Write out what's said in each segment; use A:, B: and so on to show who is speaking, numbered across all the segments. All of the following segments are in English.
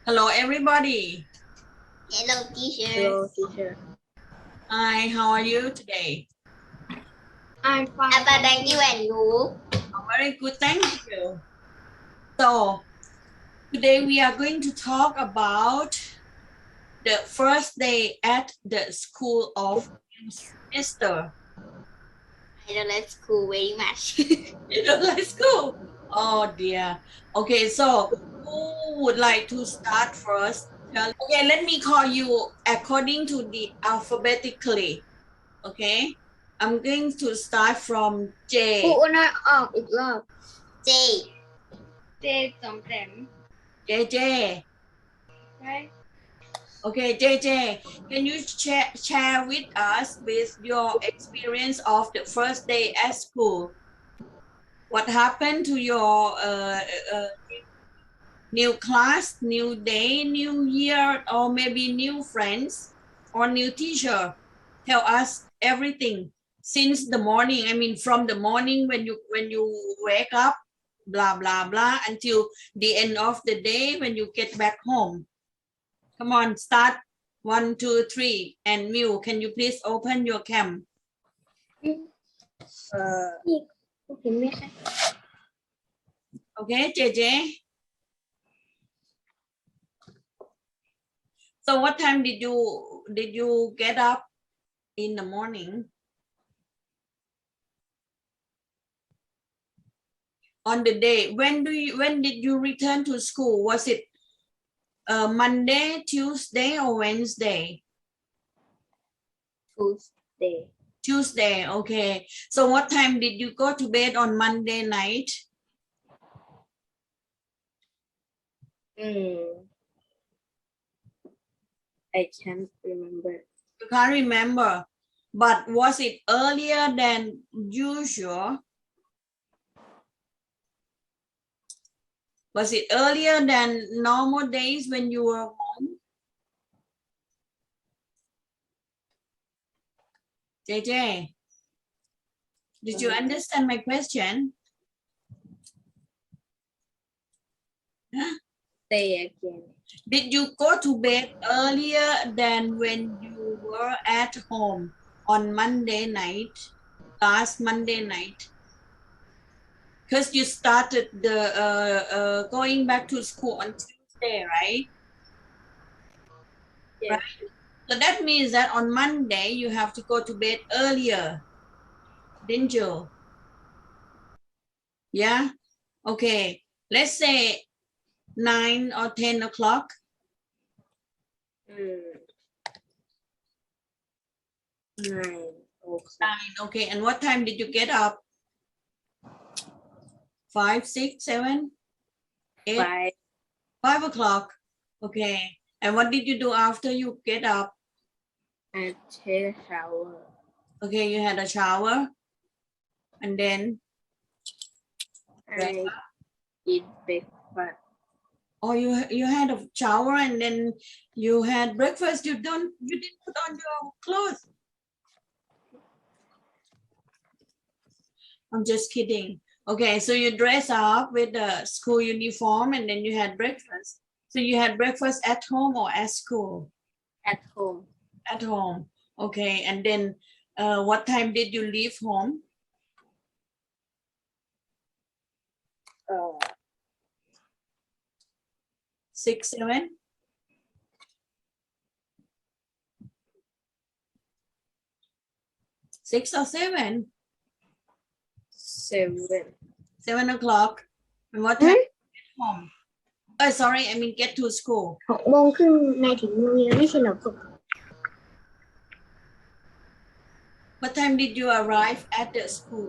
A: Hello, everybody.
B: Hello, teacher.
C: Hello, teacher.
A: Hi, how are you today?
C: I'm fine.
B: Thank you and you.
A: Very good, thank you. So, today we are going to talk about the first day at the school of new semester.
B: I don't like school very much.
A: You don't like school? Oh dear. Okay, so who would like to start first? Okay, let me call you according to the alphabetically. Okay, I'm going to start from
C: ครู
A: J.
C: อ้วนน้อยออกอีกรอบ
B: J.
C: เจจอมแต้ม
A: JJ.
C: ใช่
A: Okay, JJ, can you share with us with your experience of the first day at school? What happened to your new class, new day, new year, or maybe new friends or new teacher? Tell us everything since the morning. I mean, from the morning when you wake up, blah blah blah, until the end of the day when you get back home. Come on, start. 1, 2, 3. And Mew, can you please open your cam?
C: นี่เห็นไหมคะ
A: Okay, JJ. So what time did you get up in the morning? On the day, when did you return to school? Was it Monday, Tuesday, or Wednesday?
C: Tuesday
A: Tuesday, okay. So what time did you go to bed on Monday night?
C: I can't remember
A: You can't remember, but was it earlier than usual? Was it earlier than normal days when you were home? JJ, did you understand my question? Huh?
C: Say again
A: Did you go to bed earlier than when you were at home on Monday night, last Monday night? Because you started the going back to school on Tuesday, right?
C: Yes.
A: Right. So that means that on Monday you have to go to bed earlier, didn't you? Yeah. Okay. Let's say 9 or 10 o'clock.
C: 9 o'clock
A: 9. Okay. And what time did you get up? 5, 6, 7, 8?
C: 5
A: 5 o'clock. Okay. And what did you do after you get up?
C: I take a shower
A: Okay, you had a shower. And then,
C: I eat breakfast
A: oh, you had a shower and then you had breakfast. You didn't put on your clothes. I'm just kidding. Okay, so you dress up with the school uniform and then you had breakfast. So you had breakfast at home or at school?
C: at home
A: At home. Okay, and then what time did you leave home? 6, 7? 6 or 7?
C: 7
A: 7 o'clock. And what time did you get home? Oh, sorry, I mean get to school.
C: 6 โมงครึ่งนายถึงโรงเรียนไม่ใช่เหรอครับ
A: What time did you arrive at the school?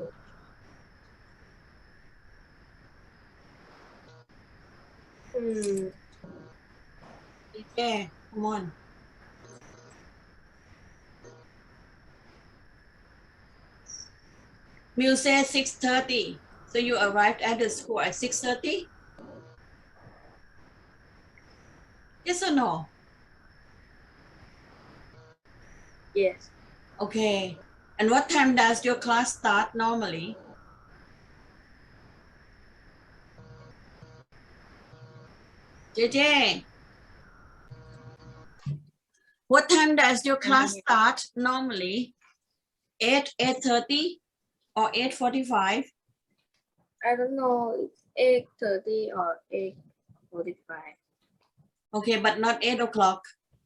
A: Yeah, come on. Miu said 6:30. So you arrived at the school at 6:30? Yes or no?
C: Yes
A: Okay. And what time does your class start normally? JJ, What time does your class start normally? 8:30 or 8:45?
C: I don't know. It's 8:30 or 8:45.
A: Okay, but not 8 o'clock.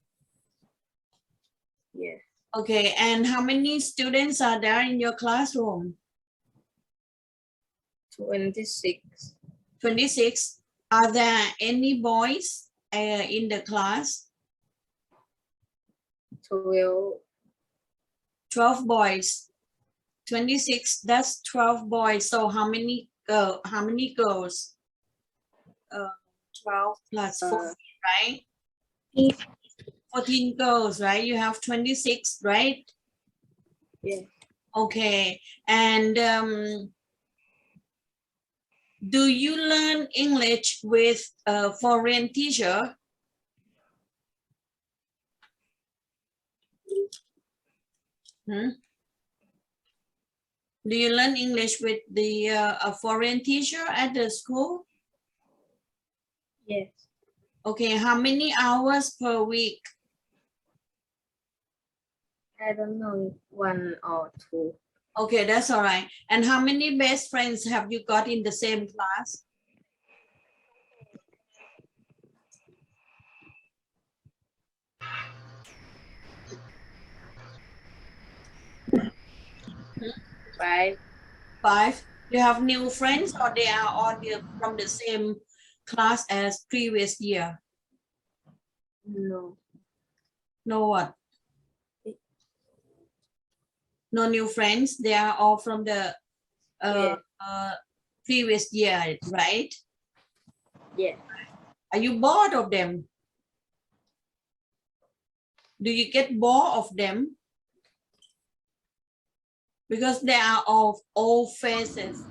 C: Yes.
A: Okay, and how many students are there in your classroom?
C: 26.
A: 26. Are there any boys in the class?
C: 12.
A: 12 boys. 26, that's 12 boys. So how many girls? 12 plus 14, right? 14 girls, right? You have 26, right?
C: Yes.
A: Okay. And do you learn English with a foreign teacher? Do you learn English with the a foreign teacher at the school?
C: Yes.
A: Okay, how many hours per week?
C: I don't know, 1 or 2.
A: Okay, that's all right. And how many best friends have you got in the same class?
C: Five.
A: 5. You have new friends or they are all from the same class as previous year?
C: No.
A: No what? No new friends. They are all from the previous year, right?
C: Yes.
A: Are you bored of them? Do you get bored of them? Because they are all old faces.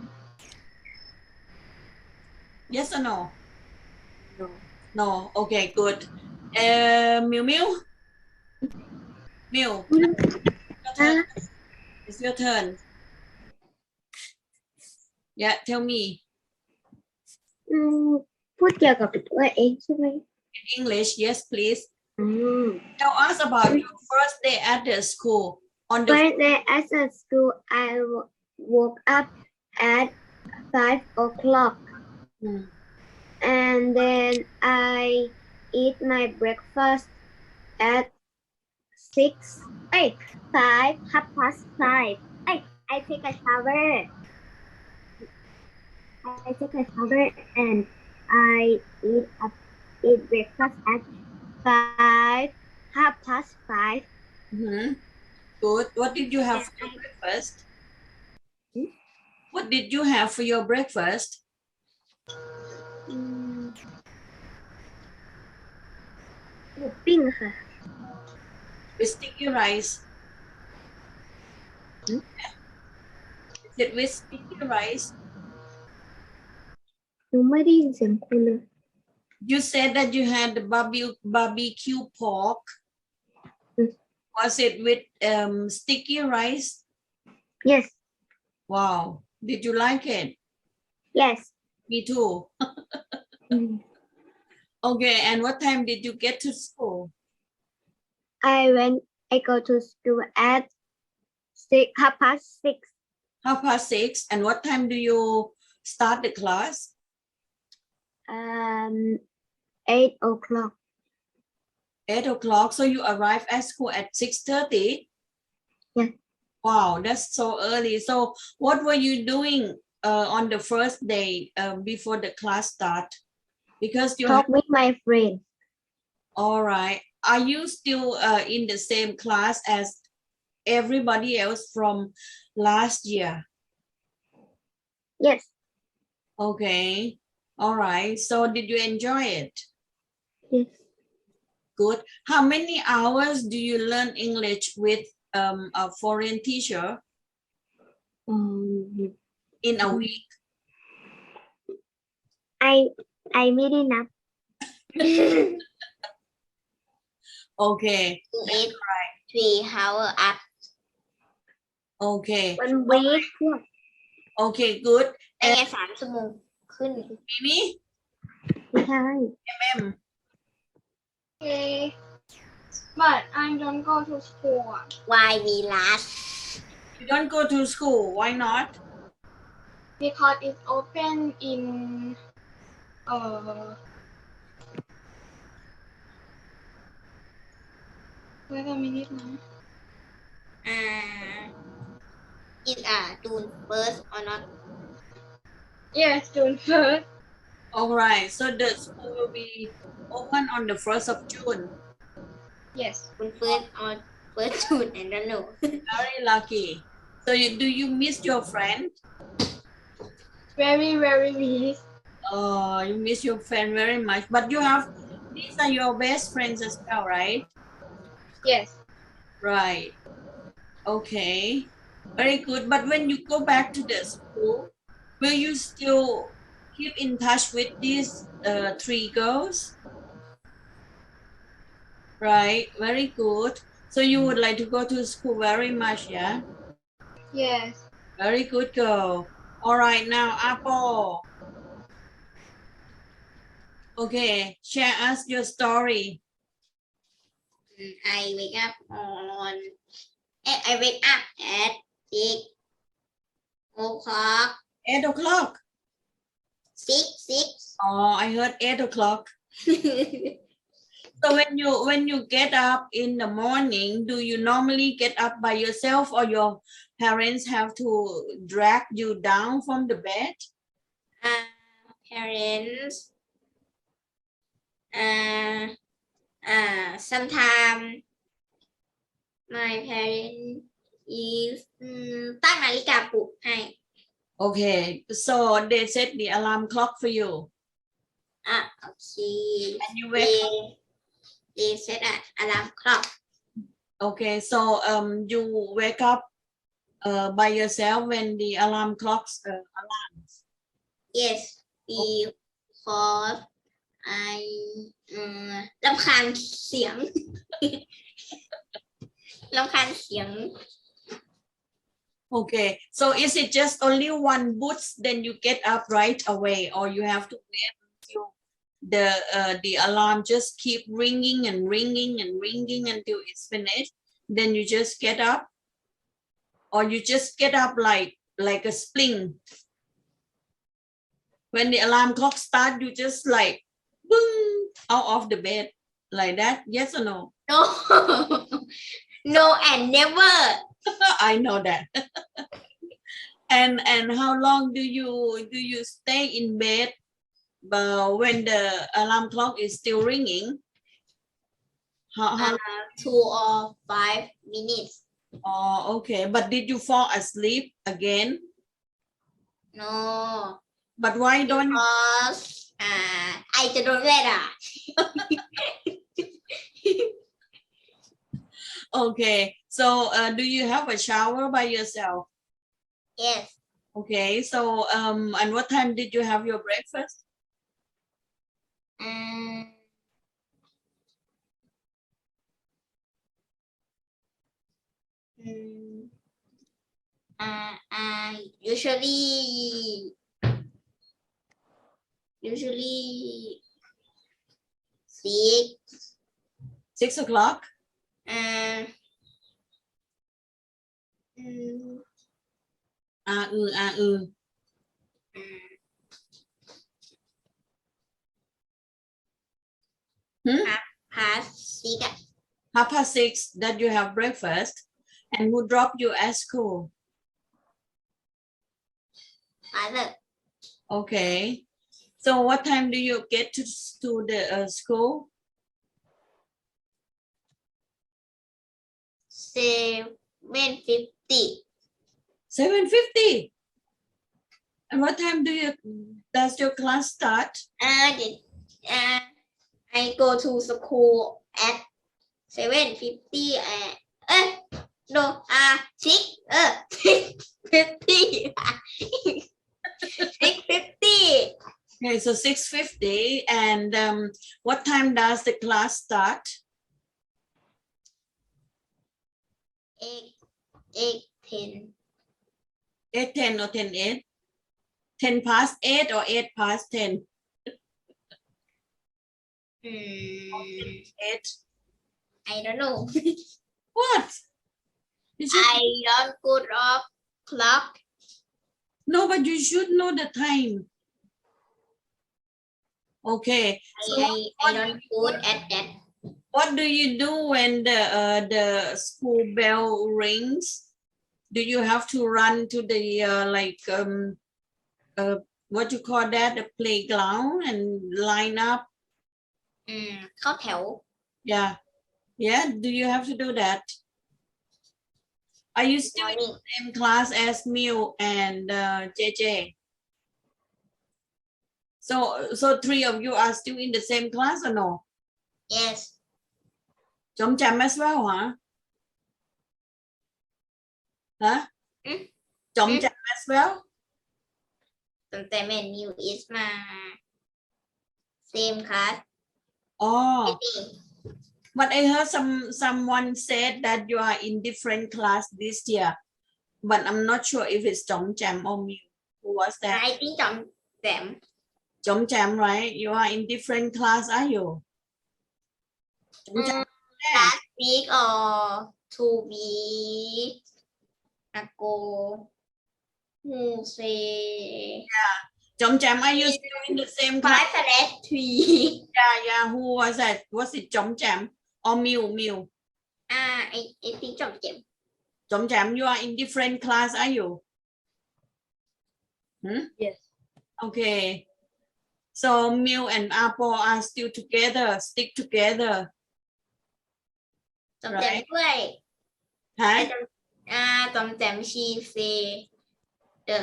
A: Yes or no?
C: No.
A: No. Okay, good. Miu Miu? Miu, your turn. It's your turn. Yeah, tell me.
C: พูดเกี่ยวกับตัวเองใช่ไหม
A: In English, yes, please. Tell us about your first day at the school. On the
C: First day at the school, I woke up at 5 o'clock. And then I eat my breakfast at 5, 5:30. I take a shower. And I eat breakfast at 5:30.
A: Good. What did you have for your breakfast? What did you have for your breakfast? With sticky rice. Is it with sticky rice?
C: หนูไม่ได้ยินเสียงคุณเลย
A: You said that you had the barbecue pork. Was it with sticky rice?
C: Yes.
A: Wow. Did you like it?
C: Yes.
A: Me too. Okay, and what time did you get to school?
C: I go to school at 6:30.
A: 6:30. And what time do you start the class?
C: 8 o'clock.
A: 8 o'clock. So you arrive at school at 6:30?
C: Yeah.
A: Wow, that's so early. So what were you doing on the first day before the class start? Because you
C: talk with my friend.
A: All right. Are you still in the same class as everybody else from last year?
C: Yes.
A: Okay. All right. So did you enjoy it?
C: Yes.
A: Good. How many hours do you learn English with a foreign teacher in a week?
C: I made enough.
A: Okay.
B: 3 hours up.
A: Okay.
C: 1 week.
A: Okay, good.
B: ได้ไง3 ชั่วโมงขึ้น
A: Mimi?
C: ไม่ใช่
A: MM?
B: Okay.
C: But I don't go to school.
B: Why we last?
A: You don't go to school. Why not?
C: Because it's open in wait a minute now.
B: Is June 1st or not?
C: Yes, June 1st.
A: All right. So the school will be open on the 1st of June.
C: Yes.
B: June 1st or 1st June? I don't know.
A: Very lucky. So do you miss your friend?
C: Very, very miss.
A: Oh, you miss your friend very much. But these are your best friends as well, right?
C: Yes.
A: Right. Okay. Very good. But when you go back to the school, will you still keep in touch with these three girls? Right. Very good. So you would like to go to school very much, yeah?
C: Yes.
A: Very good girl. All right, now Apple. Okay, share us your story.
B: I wake up on. I wake up at 6 o'clock.
A: 8 o'clock.
B: 6.
A: Oh, I heard 8 o'clock. So when you get up in the morning, do you normally get up by yourself or your parents have to drag you down from the bed?
B: Parents. Sometimes my parents is ตั้งนาฬิกาปลุกให้
A: Okay, so they set the alarm clock for you.
B: Okay.
A: And you wake up.
B: They set an alarm clock.
A: Okay, so you wake up by yourself when the alarm clocks alarms.
B: Yes, because I รำคาญเสียง รำคาญเสียง
A: Okay, so is it just only one boots, then you get up right away, or you have to wait until the alarm just keep ringing and ringing and ringing until it's finished? Then you just get up, or you just get up like a spring. When the alarm clock starts, you just like boom out of the bed like that. Yes or no?
B: No. No and never.
A: I know that. And how long do you stay in bed when the alarm clock is still ringing? How
B: 2 or 5 minutes.
A: Oh, okay. But did you fall asleep again?
B: No.
A: But why don't you?
B: Because ไอจะโดนเวท
A: Okay. So do you have a shower by yourself?
B: Yes.
A: Okay. So and what time did you have your breakfast?
B: Usually
A: 6 o'clock.
B: past 6
A: 6:30 that you have breakfast, and who dropped you at school?
B: Father.
A: Okay. So what time do you get to the school?
B: 7:50.
A: 7:50. And what time does your class start?
B: I go to school at 7:50 no 6:50 6:50.
A: Okay, so 6:50. And what time does the class start?
B: 8:10.
A: 8:10 or 10:08? 10 past 8 or 8 past 10? 8.
B: I don't know.
A: What? You should,
B: I don't put off clock.
A: no, but you should know the time. Okay. So
B: I don't put at that.
A: what do you do when the school bell rings? Do you have to run to the what you call that, the playground, and line up?
B: เข้าแถว
A: Yeah, do you have to do that? Are you still in the same class as Miu and JJ? So three of you are still in the same class or no?
B: Yes.
A: Chom cham as well, huh? Huh? Chom cham as well?
B: ตั้งแต่แม่นิว is มา same class.
A: Oh, but I heard someone said that you are in different class this year, but I'm not sure if it's Chom Cham or Miu. Who was that?
B: I think จอมแต้ม
A: Chom Cham, right? You are in different class, are you? Chom Cham,
B: last week or 2 weeks ago who say
A: Chom Cham, are you still in the same class?
B: 5/3
A: Yeah. Who was that? Was it Chom Cham or Miu?
B: I think จอมแต้ม
A: Chom Cham, you are in different class, are you?
C: Yes.
A: Okay. So Miu and Apo are still together, stick together,
B: จอมแต้มด้วย
A: huh?
B: จอมแต้ม she say the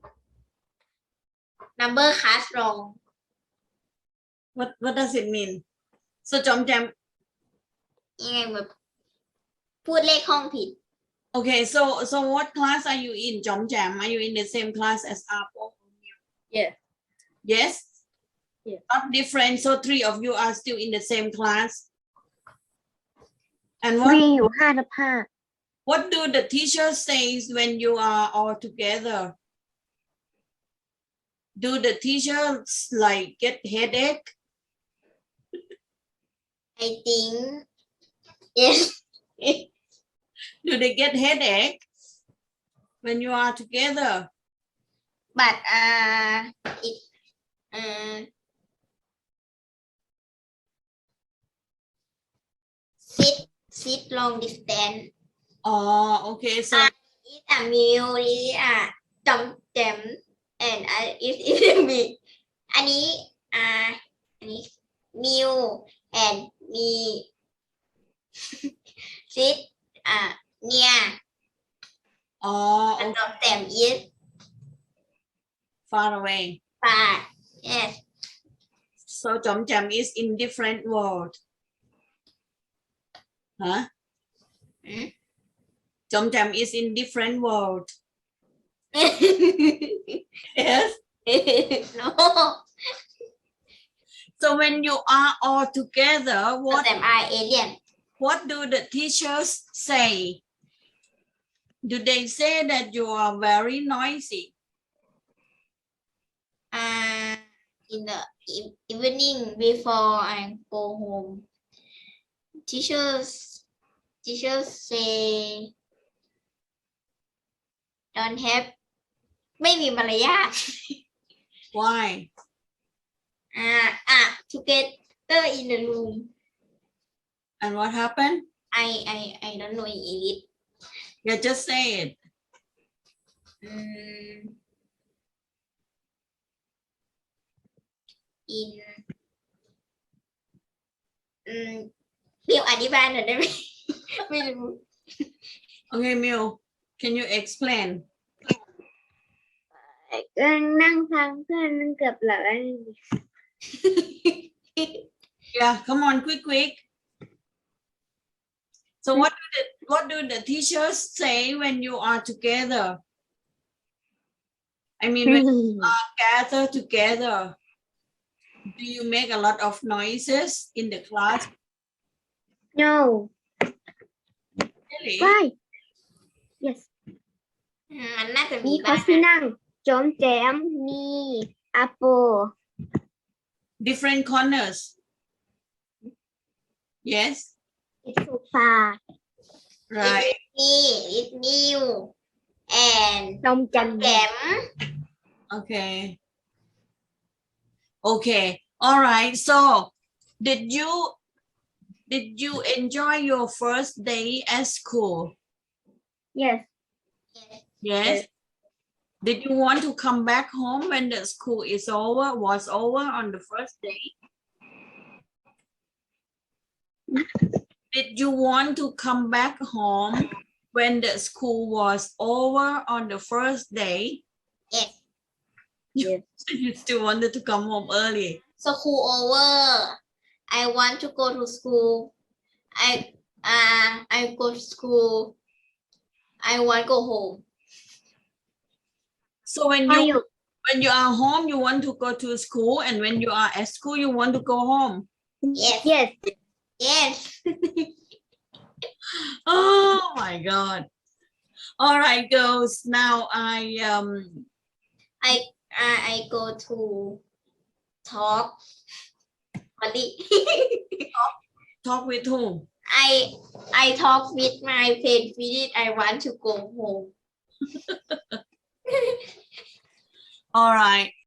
B: number class wrong.
A: What does it mean? So Chom Cham,
B: ยังไงแบบพูดเลขห้องผิด
A: okay, so what class are you in, Chom Cham? Are you in the same class as Apo?
C: Yes.
A: Yes?
C: Yes.
A: Not different, so three of you are still in the same class. And what
C: มีอยู่5/5
A: what do the teachers say when you are all together? Do the teachers like get headache?
B: I think yes.
A: Do they get headache when you are together?
B: But it sit long distance.
A: Oh, okay. So
B: It's a meal, it's a จอมแต้ม and it's a me. อันนี้ meal and me sit near.
A: oh,
B: จอมแต้ม is
A: far away.
B: far. Yes.
A: So Chom Cham is in different world. Huh? Chom Cham is in different world. Yes.
B: No.
A: So when you are all together,
B: จอมแต้ม are alien.
A: what do the teachers say? Do they say that you are very noisy?
B: In the evening before I go home, teachers say don't have ไม่มีมารยาท
A: Why?
B: together in the room.
A: And what happened?
B: I don't know in English.
A: Yeah, just say it.
B: In เรียกอธิบายหน่อยได้ไหม ไม่รู้
A: Okay, Miu, can you explain?
C: นั่งฟังเพื่อนมันเกือบหลับแล้ว
A: Yeah, come on, quick. So what do the teachers say when you are together? I mean, when you are gather together, do you make a lot of noises in the class?
C: No.
A: Really?
C: Why? Yes.
B: มันน่าจะ
C: มี
B: มี
C: เขา
B: บ้าง
C: ที่นั่งจอมแจมมีอาโป
A: Different corners. Yes.
C: It's so far.
A: Right.
B: It's new and
C: Trong chành.
B: แก้ม
A: Okay. Okay. All right. So, did you enjoy your first day at school?
C: Yes.
A: Yes. Did you want to come back home when the school was over on the first day? Did you want to come back home when the school was over on the first day?
B: Yes.
C: Yes.
A: You still wanted to come home early.
B: School over. I want to go to school. I go to school. I want to go home.
A: So when
C: Are
A: you are home, you want to go to school, and when you are at school, you want to go home.
B: Yes.
C: Yes.
B: Yes.
A: Oh my God. All right, girls. Now I
B: go to talk.
A: talk with whom?
B: I talk with my friend. I want to go home.
A: All right.